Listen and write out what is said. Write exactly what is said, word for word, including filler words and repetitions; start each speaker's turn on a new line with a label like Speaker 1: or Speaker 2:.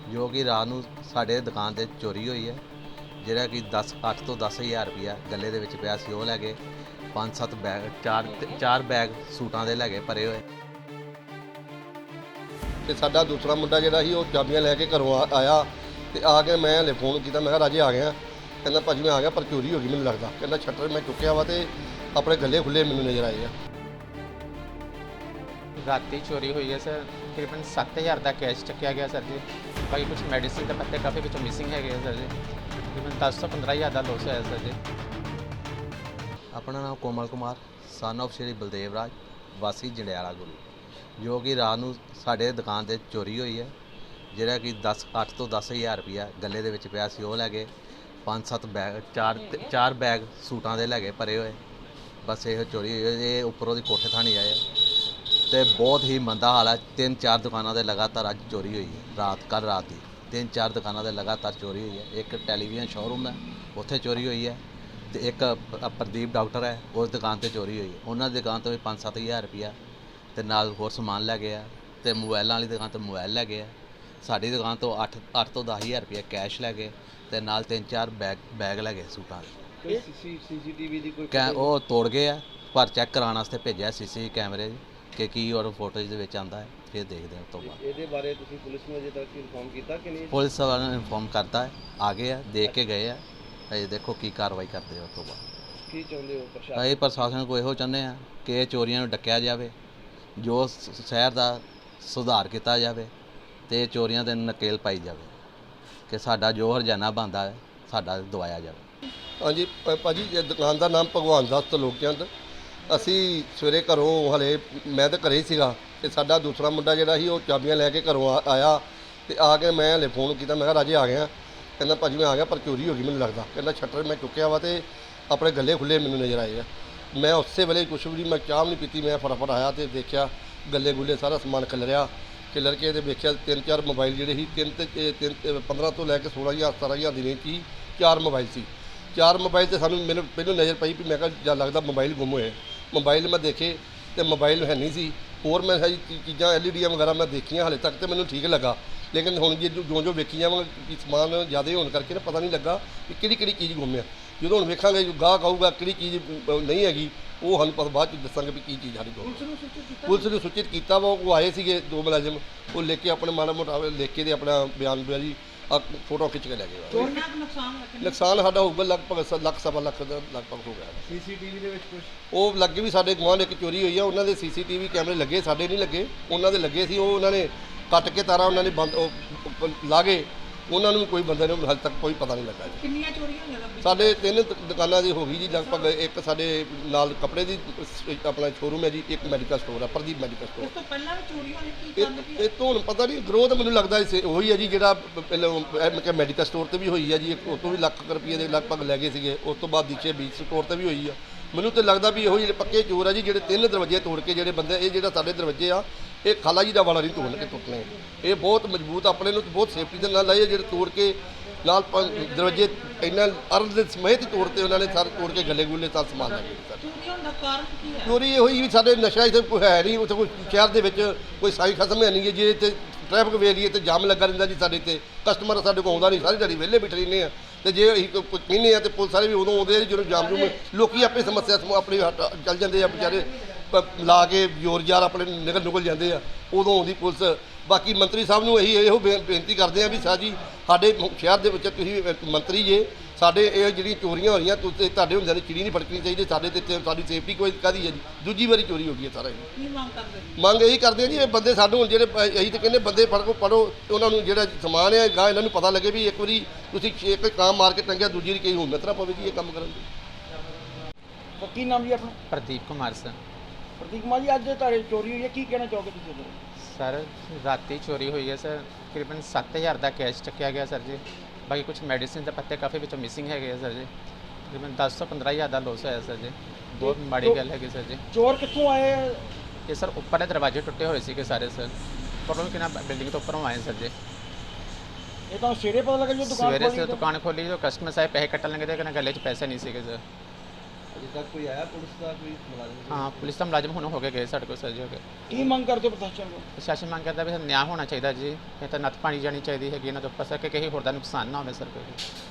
Speaker 1: ਜੋ ਕਿ ਰਾਤ ਨੂੰ ਸਾਡੇ ਦੁਕਾਨ ਤੇ ਚੋਰੀ ਹੋਈ ਹੈ, ਜਿਹੜਾ ਕਿ ਦਸ ਅੱਠ ਤੋਂ ਦਸ ਹਜ਼ਾਰ ਰੁਪਇਆ ਗੱਲੇ ਦੇ ਵਿੱਚ ਪਿਆ ਸੀ, ਉਹ ਲੈ ਗਏ। ਪੰਜ ਸੱਤ ਬੈਗ ਚਾਰ ਚਾਰ ਬੈਗ ਸੂਟਾਂ ਦੇ ਲੈ ਗਏ ਭਰੇ ਹੋਏ।
Speaker 2: ਤੇ ਸਾਡਾ ਦੂਸਰਾ ਮੁੰਡਾ ਜਿਹੜਾ ਸੀ ਉਹ ਚਾਬੀਆਂ ਲੈ ਕੇ ਘਰੋਂ ਆ- ਆਇਆ ਤੇ ਆ ਕੇ ਮੈਂ ਹਲੇ ਫੋਨ ਕੀਤਾ, ਮੈਂ ਕਿਹਾ ਰਾਜੇ ਆ ਗਿਆ। ਕਹਿੰਦਾ ਭਾਜੀ ਮੈਂ ਆ ਗਿਆ ਪਰ ਚੋਰੀ ਹੋ ਗਈ ਮੈਨੂੰ ਲੱਗਦਾ। ਕਹਿੰਦਾ ਸ਼ਟਰ ਮੈਂ ਚੁੱਕਿਆ ਵਾ ਤੇ ਆਪਣੇ ਗੱਲੇ ਖੁੱਲੇ ਮੈਨੂੰ ਨਜ਼ਰ ਆਏ ਆ।
Speaker 3: ਰਾਤੀ ਚੋਰੀ ਹੋਈ ਹੈ ਸਰ, ਤਕਰੀਬਨ ਸੱਤ ਹਜ਼ਾਰ ਦਾ ਕੈਸ਼ ਚੱਕਿਆ ਗਿਆ ਸਰ ਜੀ। ਬਾਕੀ ਕੁਝ ਮੈਡੀਸਿਨ ਦੇ ਪੱਤੇ ਕਾਫੀ ਵਿੱਚੋਂ ਮਿਸਿੰਗ ਹੈਗੇ ਆ ਸਰ ਜੀ। ਤਕਰੀਬਨ ਦਸ ਤੋਂ ਪੰਦਰਾਂ ਹਜ਼ਾਰ ਦਾ ਲੋਸ ਹੋਇਆ ਸਰ ਜੀ।
Speaker 1: ਆਪਣਾ ਨਾਮ ਕੋਮਲ ਕੁਮਾਰ, ਸਨ ਆਫ ਸ਼੍ਰੀ ਬਲਦੇਵ ਰਾਜ, ਵਾਸੀ ਜੰਡਿਆਲਾ ਗੁਰੂ, ਜੋ ਕਿ ਰਾਤ ਨੂੰ ਸਾਡੇ ਦੁਕਾਨ ਤੇ ਚੋਰੀ ਹੋਈ ਹੈ, ਜਿਹੜਾ ਕਿ ਦਸ ਅੱਠ ਤੋਂ ਦਸ ਹਜ਼ਾਰ ਰੁਪਇਆ ਗੱਲੇ ਦੇ ਵਿੱਚ ਪਿਆ ਸੀ, ਉਹ ਲੈ ਗਏ। ਪੰਜ ਸੱਤ ਬੈਗ ਚਾਰ ਚਾਰ ਬੈਗ ਸੂਟਾਂ ਦੇ ਲੈ ਗਏ ਭਰੇ ਹੋਏ। ਬਸ ਇਹ ਚੋਰੀ ਹੋਈ ਹੈ। ਇਹ ਉੱਪਰੋਂ ਦੀ ਕੋਠੇ ਥਾਣੀ ਆਏ ਤੇ ਬਹੁਤ ਹੀ ਮੰਦਾ ਹਾਲ ਹੈ। ਤਿੰਨ ਚਾਰ ਦੁਕਾਨਾਂ ਦੇ ਲਗਾਤਾਰ ਅੱਜ ਚੋਰੀ ਹੋਈ ਹੈ। ਰਾਤ ਕੱਲ੍ਹ ਰਾਤ ਦੀ ਤਿੰਨ ਚਾਰ ਦੁਕਾਨਾਂ ਦੇ ਲਗਾਤਾਰ ਚੋਰੀ ਹੋਈ ਹੈ। ਇੱਕ ਟੈਲੀਵਿਜ਼ਨ ਸ਼ੋਰੂਮ ਹੈ, ਉੱਥੇ ਚੋਰੀ ਹੋਈ ਹੈ, ਤੇ ਇੱਕ ਪ- ਪ੍ਰਦੀਪ ਡਾਕਟਰ ਹੈ, ਉਸ ਦੁਕਾਨ ਤੇ ਚੋਰੀ ਹੋਈ ਹੈ। ਉਹਨਾਂ ਦੀ ਦੁਕਾਨ ਤੋਂ ਵੀ ਪੰਜ ਸੱਤ ਹਜ਼ਾਰ ਰੁਪਇਆ ਤੇ ਨਾਲ ਹੋਰ ਸਮਾਨ ਲੈ ਗਏ ਆ, ਤੇ ਮੋਬਾਈਲਾਂ ਵਾਲੀ ਦੁਕਾਨ ਤੋਂ ਮੋਬਾਈਲ ਲੈ ਗਏ ਆ। ਸਾਡੀ ਦੁਕਾਨ ਤੋਂ ਅੱਠ ਅੱਠ ਤੋਂ ਦਸ ਹਜ਼ਾਰ ਰੁਪਇਆ ਕੈਸ਼ ਲੈ ਗਏ, ਤੇ ਨਾਲ ਤਿੰਨ ਚਾਰ ਬੈਗ ਬੈਗ ਲੈ ਗਏ ਸੂਟਾਂ ਦੇ।
Speaker 2: ਕੋਈ ਸੀਸੀਟੀਵੀ ਦੀ ਕੋਈ
Speaker 1: ਕੈ ਉਹ ਤੋੜ ਗਏ ਆ, ਪਰ ਚੈੱਕ ਕਰਾਉਣ ਵਾਸਤੇ ਭੇਜਿਆ ਸੀ ਸੀ ਕੈਮਰੇ ਕਿ ਕੀ ਔਰ ਫੋਟੋਜ਼ ਦੇ ਵਿੱਚ ਆਉਂਦਾ ਹੈ, ਫਿਰ ਦੇਖਦੇ ਹਾਂ ਉਸ ਤੋਂ ਬਾਅਦ।
Speaker 2: ਇਹਦੇ ਬਾਰੇ ਤੁਸੀਂ ਪੁਲਿਸ ਨੂੰ ਅਜੇ ਤੱਕ ਇਨਫੋਰਮ ਕੀਤਾ ਕਿ ਨਹੀਂ?
Speaker 1: ਪੁਲਿਸ ਵਾਲਿਆਂ ਨੇ ਇਨਫੋਰਮ ਕਰਤਾ ਹੈ, ਆ ਗਏ ਆ, ਦੇਖ ਕੇ ਗਏ ਆ। ਅਜੇ ਦੇਖੋ ਕੀ ਕਾਰਵਾਈ ਕਰਦੇ ਆ ਉਸ ਤੋਂ ਬਾਅਦ।
Speaker 2: ਕੀ ਚਾਹੁੰਦੇ ਹੋ ਪ੍ਰਸ਼ਾਸਨ?
Speaker 1: ਅਸੀਂ ਪ੍ਰਸ਼ਾਸਨ ਕੋਲ ਇਹੋ ਚਾਹੁੰਦੇ ਆ ਕਿ ਇਹ ਚੋਰੀਆਂ ਨੂੰ ਡੱਕਿਆ ਜਾਵੇ, ਜੋ ਸ- ਸ਼ਹਿਰ ਦਾ ਸੁਧਾਰ ਕੀਤਾ ਜਾਵੇ, ਤੇ ਚੋਰੀਆਂ ਤੇ ਨਕੇਲ ਪਾਈ ਜਾਵੇ, ਕਿ ਸਾਡਾ ਜੋ ਹਰਜਾਨਾ ਬਣਦਾ ਹੈ ਸਾਡਾ ਦਵਾਇਆ ਜਾਵੇ।
Speaker 2: ਹਾਂਜੀ ਭ- ਭਾਜੀ ਇਹ ਦੁਕਾਨ ਦਾ ਨਾਮ ਭਗਵਾਨ ਦਾਸ ਤਲੋਕਚੰਦ। ਅਸੀਂ ਸਵੇਰੇ ਘਰੋਂ ਹਲੇ ਮੈਂ ਤਾਂ ਘਰੇ ਹੀ ਸੀਗਾ ਤੇ ਸਾਡਾ ਦੂਸਰਾ ਮੁੰਡਾ ਜਿਹੜਾ ਸੀ ਉਹ ਚਾਬੀਆਂ ਲੈ ਕੇ ਘਰੋਂ ਆ- ਆਇਆ ਤੇ ਆ ਕੇ ਮੈਂ ਹਲੇ ਫੋਨ ਕੀਤਾ, ਮੈਂ ਕਿਹਾ ਰਾਜੇ ਆ ਗਿਆ। ਕਹਿੰਦਾ ਭਾਜੀ ਮੈਂ ਆ ਗਿਆ ਪਰ ਚੋਰੀ ਹੋ ਗਈ ਮੈਨੂੰ ਲੱਗਦਾ। ਕਹਿੰਦਾ ਸ਼ਟਰ ਮੈਂ ਚੁੱਕਿਆ ਵਾ ਤੇ ਆਪਣੇ ਗੱਲੇ ਖੁੱਲੇ ਮੈਨੂੰ ਨਜ਼ਰ ਆਏ ਆ। ਮੈਂ ਉਸੇ ਵੇਲੇ ਕੁਛ ਵੀ ਨਹੀਂ, ਮੈਂ ਚਾਹ ਵੀ ਨਹੀਂ ਪੀਤੀ, ਮੈਂ ਫਟਾਫਟ ਆਇਆ ਤੇ ਦੇਖਿਆ ਗੱਲੇ ਗੁੱਲੇ ਸਾਰਾ ਸਮਾਨ ਖਿਲਰਿਆ। ਖਿਲਰ ਕੇ ਤੇ ਵੇਖਿਆ ਤਿੰਨ ਚਾਰ ਮੋਬਾਈਲ ਜਿਹੜੇ ਸੀ, ਤਿੰਨ ਤੇ ਇਹ ਤਿੰਨ ਤੇ ਪੰਦਰਾਂ ਤੋਂ ਲੈ ਕੇ ਸੋਲਾਂ ਹਜ਼ਾਰ ਸਤਾਰਾਂ ਹਜ਼ਾਰ ਦੀ ਰੇਂਜ 'ਚ ਹੀ ਚਾਰ ਮੋਬਾਈਲ ਸੀ। ਚਾਰ ਮੋਬਾਈਲ ਤੇ ਸਾਨੂੰ ਮੈਨੂੰ ਪਹਿਲਾਂ ਨਜ਼ਰ ਪਈ ਵੀ ਮੈਂ ਕਿਹਾ ਜਾਂ ਲੱਗਦਾ ਮੋਬਾਈਲ ਗੁੰਮ ਹੋਏ। ਮੋਬਾਈਲ ਮੈਂ ਦੇਖੇ ਤੇ ਮੋਬਾਈਲ ਹੈ ਨਹੀਂ ਸੀ। ਹੋਰ ਮੈਂ ਸਾਰੀ ਚੀ- ਚੀਜ਼ਾਂ ਐਲ ਈ ਡੀਆਂ ਵਗੈਰਾ ਮੈਂ ਦੇਖੀਆਂ ਹਾਲੇ ਤੱਕ ਤੇ ਮੈਨੂੰ ਠੀਕ ਲੱਗਾ, ਲੇਕਿਨ ਹੁਣ ਜੇ ਜੋ ਜੋ ਵੇਖੀ ਜਾਵਾਂਗੇ ਸਮਾਨ ਜ਼ਿਆਦਾ ਹੋਣ ਕਰਕੇ ਨਾ ਪਤਾ ਨਹੀਂ ਲੱਗਾ ਕਿ ਕਿਹੜੀ ਕਿਹੜੀ ਚੀਜ਼ ਗੁੰਮ ਆ। ਜਦੋਂ ਹੁਣ ਵੇਖਾਂਗੇ ਗਾਹਕ ਆਊਗਾ ਕਿਹੜੀ ਚੀਜ਼ ਅ, ਨਹੀਂ ਹੈਗੀ, ਉਹ ਸਾਨੂੰ ਪਤਾ ਬਾਅਦ ਚ ਦੱਸਾਂਗੇ ਵੀ ਕੀ ਚੀਜ਼ ਸਾਡੀ ਗੁੰਮ। ਪੁਲਿਸ ਨੂੰ ਸੂਚਿਤ ਕੀਤਾ ਵਾ, ਉਹ ਆਏ ਸੀਗੇ ਦੋ ਮੁਲਾਜ਼ਮ, ਉਹ ਲੈ ਕੇ ਆਪਣੇ ਮਾੜਾ ਮੋਟਾ ਲਿਖ ਕੇ ਤੇ ਆਪਣਾ ਬਿਆਨ ਬਿਆ ਜੀ ਆ ਫੋਟੋ ਖਿੱਚ ਕੇ ਲੈ ਗਏ।
Speaker 4: ਕਿੰਨਾ ਕੁ ਨੁਕਸਾਨ ਹੋਇਆ?
Speaker 2: ਨੁਕਸਾਨ ਸਾਡਾ ਹੋਊਗਾ ਲਗਭਗ ਸ- ਲੱਖ ਸਵਾ ਲੱਖ ਦਾ ਲਗਭਗ ਹੋ ਗਿਆ।
Speaker 5: ਸੀਸੀਟੀਵੀ ਦੇ ਵਿੱਚ ਕੁਝ
Speaker 2: ਉਹ ਲੱਗੇ ਵੀ ਸਾਡੇ ਗੁਆਂਢ ਇੱਕ ਚੋਰੀ ਹੋਈ ਆ, ਉਹਨਾਂ ਦੇ ਸੀਸੀਟੀਵੀ ਕੈਮਰੇ ਲੱਗੇ, ਸਾਡੇ ਨਹੀਂ ਲੱਗੇ, ਉਹਨਾਂ ਦੇ ਲੱਗੇ ਸੀ। ਉਹ ਉਹਨਾਂ ਨੇ ਕੱਟ ਕੇ ਤਾਰਾਂ ਉਹਨਾਂ ਨੇ ਬੰਦ ਉਹ ਉਹ ਲਾ ਗਏ, ਉਹਨਾਂ ਨੂੰ ਕੋਈ ਬੰਦੇ ਨੂੰ ਹਾਲੇ ਤੱਕ ਕੋਈ ਪਤਾ ਨਹੀਂ ਲੱਗਾ ਜੀ।
Speaker 4: ਕਿੰਨੀਆਂ ਚੋਰੀਆਂ ਹੋਈਆਂ ਲੱਭੀ?
Speaker 2: ਸਾਡੇ ਤਿੰਨ ਦ- ਦੁਕਾਨਾਂ ਦੀ ਹੋ ਗਈ ਜੀ ਲਗਭਗ। ਇੱਕ ਸਾਡੇ ਨਾਲ ਕੱਪੜੇ ਦੀ ਸ- ਆਪਣਾ ਸ਼ੋਰੂਮ ਹੈ ਜੀ, ਇੱਕ ਮੈਡੀਕਲ ਸਟੋਰ ਹੈ ਪ੍ਰਦੀਪ ਮੈਡੀਕਲ
Speaker 4: ਇਸ
Speaker 2: ਸਟੋਰ।
Speaker 4: ਤੋਂ ਪਹਿਲਾਂ ਵੀ ਚੋਰੀਆਂ ਹੋਈਆਂ, ਕੀ ਕਾਰਨ ਕੀ
Speaker 2: ਇਹ ਇਹ ਤੋਂ ਹੁਣ ਪਤਾ ਨਹੀਂ, ਗਰੋਥ ਮੈਨੂੰ ਲੱਗਦਾ ਇਸ ਉਹੀ ਹੈ ਜੀ ਜਿਹੜਾ ਪ- ਪਹਿਲਾਂ ਮੈਡੀਕਲ ਸਟੋਰ ਤੇ ਵੀ ਹੋਈ ਹੈ ਜੀ, ਇੱਕ ਉਹ ਤੋਂ ਵੀ ਲੱਖ ਕੁ ਰੁਪਏ ਦੇ ਲਗਭਗ ਲੈ ਗਏ ਸੀਗੇ। ਉਸ ਤੋਂ ਬਾਅਦ ਦੀਚੇ ਬੀਚ ਸਟੋਰ ਤੇ ਵੀ ਹੋਈ ਆ। ਮੈਨੂੰ ਤਾਂ ਲੱਗਦਾ ਵੀ ਇਹੋ ਜਿਹੇ ਪੱਕੇ ਚੋਰ ਆ ਜੀ, ਜਿਹੜੇ ਤਿੰਨ ਦਰਵਾਜ਼ੇ ਤੋੜ ਕੇ ਜਿਹੜੇ ਬੰਦੇ, ਇਹ ਜਿਹੜਾ ਸਾਡੇ ਦਰਵਾਜ਼ੇ ਆ ਇਹ ਖਾਲਾ ਜੀ ਦਾ ਵਾਲਾ ਨਹੀਂ ਤੋੜ ਕੇ ਟੁੱਟਣੇ। ਇਹ ਬਹੁਤ ਮਜ਼ਬੂਤ ਆਪਣੇ ਨੂੰ ਬਹੁਤ ਸੇਫਟੀ ਦੇ ਨਾਲ ਲਾਏ ਆ, ਜਿਹੜੇ ਤੋੜ ਕੇ ਨਾਲ ਪ- ਦਰਵਾਜ਼ੇ ਇੰਨਾ ਅਰਧ ਦੇ ਸਮੇਤ ਹੀ ਤੋੜਤੇ ਉਹਨਾਂ ਨੇ, ਸਾਰੇ ਤੋੜ ਕੇ ਗੱਲੇ ਗੁੱਲੇ ਸਾਰਾ ਸਮਾਨ ਲੈ ਗਏ ਸਾਡੇ।
Speaker 4: ਚੋਰੀਆਂ ਹੋਣ ਦਾ ਕਾਰਨ ਕੀ ਹੈ?
Speaker 2: ਚੋਰੀ ਇਹੋ ਹੀ ਵੀ ਸਾਡੇ ਨਸ਼ਾ ਇੱਥੇ ਕੋਈ ਹੈ ਨਹੀਂ, ਉੱਥੇ ਕੋਈ ਸ਼ਹਿਰ ਦੇ ਵਿੱਚ ਕੋਈ ਸਾਈ ਖਤਮ ਹੈ ਨਹੀਂ ਗੀ। ਜੇ ਇੱਥੇ ਟ੍ਰੈਫਿਕ ਵੇਲੀਏ ਤੇ ਜਾਮ ਲੱਗਾ ਰਹਿੰਦਾ ਜੀ, ਸਾਡੇ ਤੇ ਕਸਟਮਰ ਸਾਡੇ ਕੋਲ ਆਉਂਦਾ ਨਹੀਂ, ਸਾਰੀ ਦਿਹਾੜੀ ਵਿਹਲੇ ਬੈਠੇ ਰਹਿੰਦੇ ਆ। ਤੇ ਜੇ ਅਸੀਂ ਕੋਈ ਕੁਝ ਕਹਿੰਦੇ ਆ ਤੇ ਪੁਲਿਸ ਵਾਲੇ ਵੀ ਉਦੋਂ ਆਉਂਦੇ ਆ ਜੀ ਜਦੋਂ ਜਾਮ ਜੂਮ, ਲੋਕੀ ਆਪੇ ਸਮੱਸਿਆ ਸਮੂਹ ਆਪਣੀ ਹਟ- ਚੱਲ ਜਾਂਦੇ ਆ ਵਿਚਾਰੇ, ਪ- ਲਾ ਕੇ ਜ਼ੋਰ ਜ਼ਾਰ ਆਪਣੇ ਨਿਕਲ ਨਿਕਲ ਜਾਂਦੇ ਆ, ਉਦੋਂ ਆਉਂਦੀ ਪੁਲਿਸ। ਬਾਕੀ ਮੰਤਰੀ ਸਾਹਿਬ ਨੂੰ ਇਹੀ ਇਹੋ ਬੇ- ਬੇਨਤੀ ਕਰਦੇ ਆ ਵੀ ਸਾਹ ਜੀ ਸਾਡੇ ਮ- ਸ਼ਹਿਰ ਦੇ ਵਿੱਚ ਤੁਸੀਂ ਇੱਕ ਮੰਤਰੀ ਜੇ, ਸਾਡੇ ਇਹ ਜਿਹੜੀਆਂ ਚੋਰੀਆਂ ਹੋ ਰਹੀਆਂ ਤੁਸੀਂ ਤੁਹਾਡੇ ਹੁੰਦਿਆਂ ਦੀ ਚਿੜੀ ਨਹੀਂ ਫੜਕਣੀ ਚਾਹੀਦੀ, ਸਾਡੇ ਤੇ ਤੇ ਸਾਡੀ ਸੇਫਟੀ ਕੋਈ ਕਾਹਦੀ ਹੈ ਜੀ। ਦੂਜੀ ਵਾਰੀ ਚੋਰੀ ਹੋ ਗਈ ਹੈ ਸਾਰਾ ਇਹ।
Speaker 4: ਕੀ ਮੰਗ ਕਰਦੇ?
Speaker 2: ਮੰਗ ਇਹੀ ਕਰਦੇ ਆ ਜੀ, ਇਹ ਬੰਦੇ ਸਾਨੂੰ ਹੁਣ ਜਿਹੜੇ ਪ- ਅਸੀਂ ਤਾਂ ਕਹਿੰਦੇ ਬੰਦੇ ਫੜ ਕੋ ਪੜੋ, ਉਹਨਾਂ ਨੂੰ ਜਿਹੜਾ ਸਮਾਨ ਹੈ ਗਾਂ ਇਹਨਾਂ ਨੂੰ ਪਤਾ ਲੱਗੇ ਵੀ ਇੱਕ ਵਾਰੀ ਤੁਸੀਂ ਇੱਕ ਕੰਮ ਮਾਰ ਕੇ ਟੰਗਿਆ, ਦੂਜੀ ਵਾਰੀ ਕਈ ਹਿੰਮਤ ਨਾ ਪਵੇ ਜੀ ਇਹ ਕੰਮ ਕਰਨ ਦੀ।
Speaker 5: ਕੀ ਨਾਮ ਜੀ ਆਪਣਾ?
Speaker 3: ਪ੍ਰਦੀਪ ਕੁਮਾਰ ਸਰ।
Speaker 5: ਪ੍ਰਤੀਕ ਕੁਮਾਰ ਜੀ, ਅੱਜ ਤੁਹਾਡੇ ਚੋਰੀ ਹੋਈ ਹੈ, ਕੀ ਕਹਿਣਾ ਚਾਹੋਗੇ ਤੁਸੀਂ ਇਹਦੇ ਬਾਰੇ?
Speaker 3: ਸਰ ਰਾਤੀ ਚੋਰੀ ਹੋਈ ਹੈ ਸਰ, ਤਕਰੀਬਨ ਸੱਤ ਹਜ਼ਾਰ ਦਾ ਕੈਸ਼ ਚੱਕਿਆ ਗਿਆ ਸਰ ਜੀ। ਬਾਕੀ ਕੁਝ ਮੈਡੀਸਿਨ ਦੇ ਪੱਤੇ ਕਾਫੀ ਵਿੱਚੋਂ ਮਿਸਿੰਗ ਹੈਗੇ ਆ ਸਰ ਜੀ। ਤਕਰੀਬਨ ਦਸ ਤੋਂ ਪੰਦਰਾਂ ਹਜ਼ਾਰ ਦਾ ਲੋਸ ਹੋਇਆ ਸਰ ਜੀ। ਬਹੁਤ ਮਾੜੀ ਗੱਲ ਹੈਗੀ ਸਰ ਜੀ।
Speaker 5: ਚੋਰ ਕਿੱਥੋਂ ਆਏ?
Speaker 3: ਇਹ ਸਰ ਉੱਪਰਲੇ ਦਰਵਾਜ਼ੇ ਟੁੱਟੇ ਹੋਏ ਸੀਗੇ ਸਾਰੇ ਸਰ, ਪ੍ਰੋਬਲਮ ਕਿਨਾ ਬਿਲਡਿੰਗ ਤੋਂ ਉੱਪਰੋਂ ਆਏ ਸਰ ਜੀ।
Speaker 5: ਇਹ ਤਾਂ ਸਵੇਰੇ ਪਤਾ ਲੱਗਾ ਜਦੋਂ ਦੁਕਾਨ
Speaker 3: ਸਵੇਰੇ
Speaker 5: ਖੋਲੀ
Speaker 3: ਸੇ
Speaker 5: ਤਾਂ।
Speaker 3: ਦੁਕਾਨ ਖੋਲੀ, ਜੋ ਕਸਟਮਰ ਸਾਹਿਬ ਪੈਸੇ ਕੱਟਣ ਲੱਗੇ ਤੇ ਕਹਿੰਦੇ ਗੱਲੇ 'ਚ ਪੈਸੇ ਨਹੀਂ ਸੀਗੇ ਸਰ।
Speaker 1: ਅਜੇ ਤੱਕ ਕੋਈ ਆਇਆ ਪੁਲਿਸ ਦਾ ਕੋਈ ਮੁਲਾਜ਼ਮ?
Speaker 3: ਹਾਂ ਪੁਲਿਸ ਦਾ ਮੁਲਾਜ਼ਮ ਹੁਣ ਹੋ ਕੇ ਗਏ ਸਾਡੇ ਕੋਲ ਸਰ ਜੀ ਹੋ ਗਏ।
Speaker 5: ਕੀ ਮੰਗ ਕਰਦੇ ਹੋ ਪ੍ਰਸ਼ਾਸਨ ਕੋਲ?
Speaker 3: ਪ੍ਰਸ਼ਾਸਨ ਮੰਗ ਕਰਦਾ ਵੀ ਨਿਆਂ ਹੋਣਾ ਚਾਹੀਦਾ ਜੀ, ਇਹ ਤਾਂ ਨੱਥ ਪਾਣੀ ਜਾਣੀ ਚਾਹੀਦੀ ਹੈਗੀ ਇਹਨਾਂ ਦੇ ਉੱਪਰ ਸਰ ਕਿ ਕਿਸੇ ਹੋਰ ਦਾ ਨੁਕਸਾਨ ਨਾ ਹੋਵੇ ਸਰ ਕੋਈ।